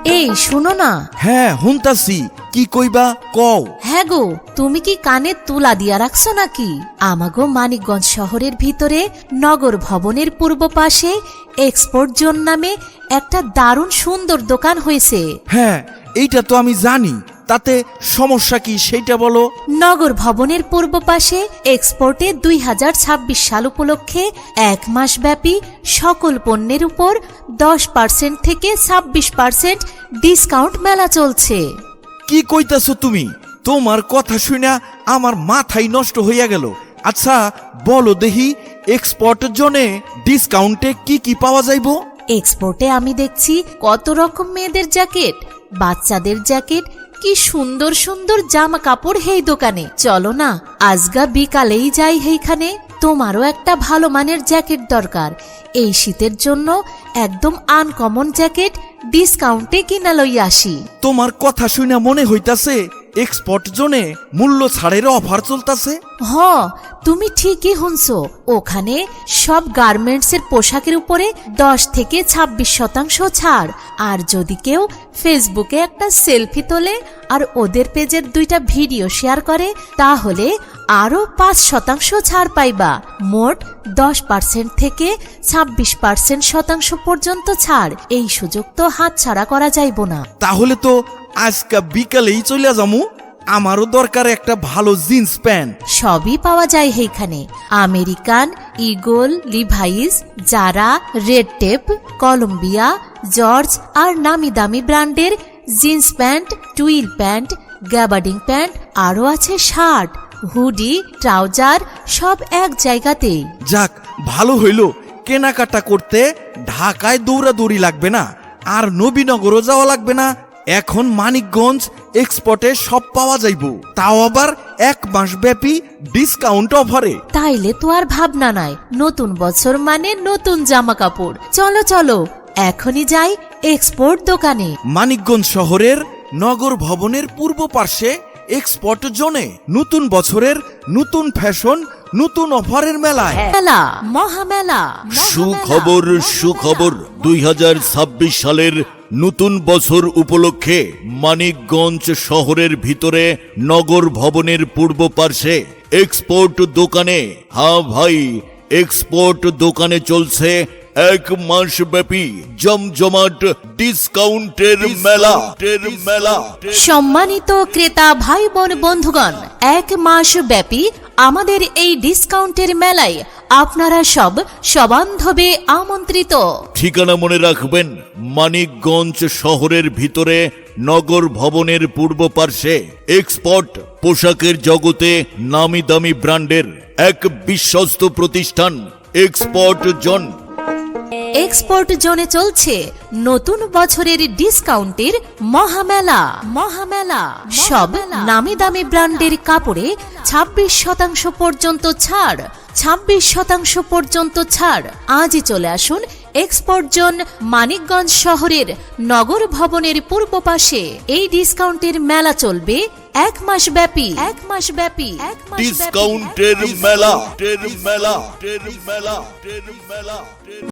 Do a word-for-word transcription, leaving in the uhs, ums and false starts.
এই শুনো না। হ্যাঁ হুনতাছি, কি কইবা কও। হ্যাঁ গো, তুমি কি কানে তুলা দিয়া রাখছো নাকি? আমাগো মানিকগঞ্জ শহরের ভিতরে নগর ভবনের পূর্ব পাশে এক্সপোর্ট জোন নামে একটা দারুণ সুন্দর দোকান হয়েছে। হ্যাঁ এইটা তো আমি জানি, তাতে সমস্যা কি সেইটা বলো। নগর ভবনের পূর্ব পাশে এক্সপোর্টে দুই হাজার ছাব্বিশ সাল উপলক্ষে এক মাস ব্যাপী সকল পণ্যের উপর দশ পার্সেন্ট থেকে ছাব্বিশ পার্সেন্ট ডিসকাউন্ট মেলা চলছে। কি কইতাছো তুমি? তোমার কথা শুনা আমার মাথাই নষ্ট হইয়া গেল। আচ্ছা বলো দেখি, এক্সপোর্ট জোনে ডিসকাউন্টে কি কি পাওয়া যাইবো? এক্সপোর্টে আমি দেখছি কত রকম মেয়েদের জ্যাকেট, বাচ্চাদের জ্যাকেট, কি সুন্দর সুন্দর জামা কাপড় হেই দোকানে। চলো না আজগা বিকালেই যাই হেইখানে। তোমারও একটা ভালো মানের জ্যাকেট দরকার। এই শীতের জন্য একদম আনকমন জ্যাকেট ডিসকাউন্টে কিনা লই আসি। তোমার কথা শুনা মনে হইতাছে এক্সপোর্ট জোনে মূল্য ছাড়ের অফার চলতাছে। হ, তুমি ঠিকই শুনছো। ওখানে সব গার্মেন্টসের পোশাকের উপরে দশ থেকে ছাব্বিশ শতাংশ ছাড়। আর যদি কেউ ফেসবুকে একটা সেলফি তোলে আর ওদের পেজের দুইটা ভিডিও শেয়ার করে, তাহলে আরো পাঁচ শতাংশ ছাড় পাইবা। মোট দশ পার্সেন্ট থেকে ছাব্বিশ পার্সেন্ট শতাংশ পর্যন্ত ছাড়। এই সুযোগ তো হাতছাড়া করা যাইব না। তাহলে তো আজকা বিকালেই চলে যামু। আমারও দরকার একটা ভালো জিন্স প্যান্ট। সবই পাওয়া যায় এইখানে। American, Eagle, Levi's, Zara, Red Tape, Columbia, George আর নামি দামি ব্র্যান্ডের jeans pant, twill pant, gabardine pant, আরও আছে শার্ট, হুডি, ট্রাউজার, সব এক জায়গাতেই। যাক ভালো হইল, কেনাকাটা করতে ঢাকায় দৌড়াদৌড়ি লাগবে না, আর নবীনগরও যাওয়া লাগবে না। এখন মানিকগঞ্জ এক্সপোর্টে সব পাওয়া যাইব, তাও আবার এক মাস ব্যাপী ডিসকাউন্ট অফারে। তাইলে তো আর ভাবনা নাই। নতুন বছর মানে নতুন জামা কাপড়। চলো চলো এখনই যাই এক্সপোর্ট দোকানে। মানিকগঞ্জ শহরের নগর ভবনের পূর্ব পার্শ্বে এক্সপোর্ট জোনে নতুন বছরের নতুন ফ্যাশন, নতুন অফারের মেলায় মেলা, মহামেলা। সুখবর সুখবর দুই হাজার ছাব্বিশ সালের নতুন বছর উপলক্ষে মানিকগঞ্জ শহরের ভিতরে নগর ভবনের পূর্ব পার্শ্বে এক্সপোর্ট দোকানে, হ্যাঁ ভাই, এক্সপোর্ট দোকানে চলছে এক মাস ব্যাপী জমজমাট ডিসকাউন্টের মেলা মেলা সম্মানিত ক্রেতা ভাই বোন বন্ধুগণ, এক মাস ব্যাপী আমাদের এই ডিসকাউন্টের মেলায় আপনারা সব সবান্ধবে আমন্ত্রিত। ঠিকানা মনে রাখবেন, মানিকগঞ্জ শহরের ভিতরে নগর ভবনের পূর্ব পার্শ্বে এক্সপোর্ট পোশাকের জগতে নামি দামি ব্র্যান্ডের এক বিশ্বস্ত প্রতিষ্ঠান এক্সপোর্ট জোন। এক্সপোর্ট জোনে চলছে নতুন বছরের ডিসকাউন্টের মহামেলা মহামেলা সব নামি দামি ব্র্যান্ডের কাপড়ে ছাব্বিশ শতাংশ পর্যন্ত ছাড়। ছাব্বিশ শতাংশ পর্যন্ত ছাড়। আজই চলে আসুন এক্সপোর্ট জোন, মানিকগঞ্জ শহরের নগর ভবনের পূর্ব পাশে। এই ডিসকাউন্টের মেলা চলবে এক মাস ব্যাপী। এক মাস ব্যাপী এক মাস ডিসকাউন্টের মেলা মেলা মেলা মেলা